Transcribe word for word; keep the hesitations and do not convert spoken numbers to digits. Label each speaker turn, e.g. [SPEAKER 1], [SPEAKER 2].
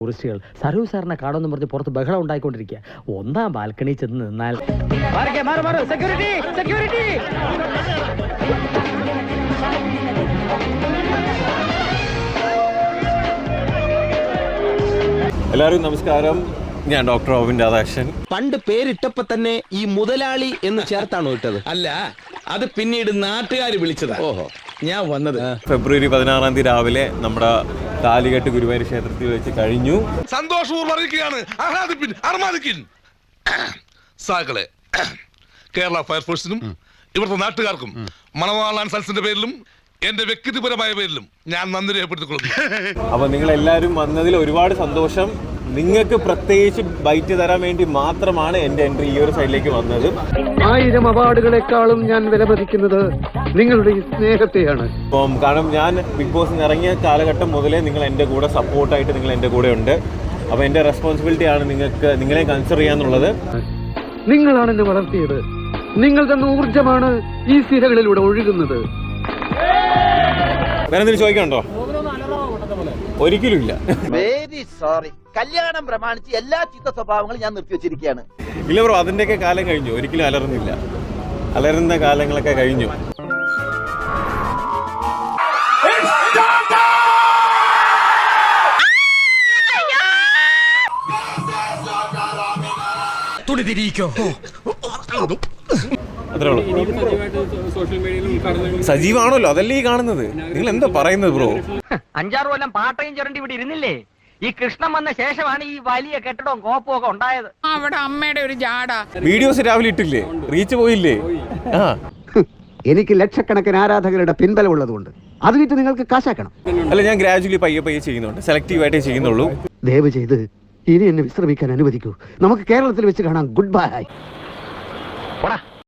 [SPEAKER 1] ടൂറിസ്റ്റുകൾ സരൂ സാറിനെ കാണുമെന്ന് പറഞ്ഞ് പുറത്ത് ബഹളം ഉണ്ടായിക്കൊണ്ടിരിക്കുക. ഒന്നാം ബാൽക്കണി ചെന്ന് നിന്നാൽ
[SPEAKER 2] എല്ലാവരും നമസ്കാരം. ഞാൻ ഡോക്ടർ ഓവിൻ രാധാകൃഷ്ണൻ.
[SPEAKER 3] പണ്ട് പേരിട്ടപ്പോ തന്നെ ഈ മുതലാളി എന്ന് ചേർത്താണോ ഇട്ടത്?
[SPEAKER 4] അല്ല, അത് പിന്നീട് നാട്ടുകാർ വിളിച്ചതാ. ഓഹോ, ഞാൻ വന്നത്
[SPEAKER 2] ഫെബ്രുവരി പതിനാറാം തീയതി രാവിലെ നമ്മുടെ താലികെട്ട് ഗുരുവായൂർ ക്ഷേത്രത്തിൽ വെച്ച് കഴിഞ്ഞു.
[SPEAKER 5] സന്തോഷപൂർവ്വം അറിയിക്കുകയാണ്, ആഹ്ലാദിപ്പിൻ, അർമാദിക്കിൻ. സാക്കളെ, കേരള ഫയർഫോഴ്സിനും ഇവിടുത്തെ നാട്ടുകാർക്കും മണവാളാൻ സൽസിന്റെ പേരിലും എന്റെ വ്യക്തിപരമായ പേരിലും ഞാൻ നന്ദി രേഖപ്പെടുത്തിക്കൊള്ളുന്നു.
[SPEAKER 2] അപ്പൊ നിങ്ങൾ എല്ലാവരും വന്നതിൽ ഒരുപാട് സന്തോഷം. നിങ്ങൾക്ക് പ്രത്യേകിച്ച് ബൈറ്റ് തരാൻ വേണ്ടി മാത്രമാണ് എന്റെ എൻട്രി ഈ ഒരു സൈഡിലേക്ക് വന്നത്.
[SPEAKER 6] ആയിരം അവാർഡുകളെക്കാളും ഞാൻ വിലമതിക്കുന്നത് നിങ്ങളുടെ ഈ സ്നേഹത്തെയാണ്.
[SPEAKER 2] അപ്പം കാരണം ഞാൻ ബിഗ് ബോസിൽ ഇറങ്ങിയ കാലഘട്ടം മുതലേ നിങ്ങൾ എൻ്റെ കൂടെ സപ്പോർട്ടായിട്ട് നിങ്ങൾ എൻ്റെ കൂടെ ഉണ്ട്. അപ്പോൾ എൻ്റെ റെസ്പോൺസിബിലിറ്റി ആണ് നിങ്ങൾക്ക് നിങ്ങളെ കൺസിഡർ ചെയ്യാന്നുള്ളത്.
[SPEAKER 6] നിങ്ങളാണ് എന്നെ വളർത്തിയത്. നിങ്ങൾ തന്ന ഊർജമാണ് ഈ സിരകളിലൂടെ ഒഴുകുന്നത്.
[SPEAKER 2] വേറെ എന്തെങ്കിലും ചോദിക്കണ്ടോ? ഒരിക്കലും ഇല്ല.
[SPEAKER 7] Very sorry. കല്യാണം പ്രമാണിച്ച് എല്ലാ ചീത്ത സ്വഭാവങ്ങളും ഞാൻ നിർത്തിവെച്ചിരിക്കുകയാണ്.
[SPEAKER 2] ഇല്ല ബ്രോ, അതിൻ്റെയൊക്കെ കാലം കഴിഞ്ഞു. ഒരിക്കലും അലറുന്നില്ല. അലറുന്ന കാലങ്ങളൊക്കെ കഴിഞ്ഞു. അത്രേ ഉള്ളൂ. സജീവാണല്ലോ, അതല്ലേ ഈ കാണുന്നത്. നിങ്ങൾ എന്താ പറയുന്നത് ബ്രോ?
[SPEAKER 1] അഞ്ചാറ് കൊല്ലം പാട്ടയും ചുരണ്ടി ഇവിടെ ഇരുന്നില്ലേ? ഈ കൃഷ്ണൻ വന്ന ശേഷമാണ് ഈ വലിയ കെട്ടിടവും കോപ്പും ഒക്കെ ഉണ്ടായത്.
[SPEAKER 8] അവിടെ അമ്മയുടെ ഒരു ജാട.
[SPEAKER 2] വീഡിയോസ് രാവിലെ ഇട്ടില്ലേ? റീച്ച് പോയില്ലേ? ആ,
[SPEAKER 6] എനിക്ക് ലക്ഷക്കണക്കിന് ആരാധകരുടെ പിൻബലം ഉള്ളതുകൊണ്ട് അത് വിറ്റ് നിങ്ങൾക്ക് കാശാക്കണം.
[SPEAKER 2] അല്ല, ഞാൻ ഗ്രാജുവലി പയ്യെ പയ്യെ ചെയ്യുന്നുണ്ട്. സെലക്റ്റീവായിട്ടേ ചെയ്യുന്നുള്ളൂ.
[SPEAKER 6] ദയവ് ചെയ്ത് ഇനി എന്നെ വിശ്രമിക്കാൻ അനുവദിക്കൂ. നമുക്ക് കേരളത്തിൽ വെച്ച് കാണാം. Good by.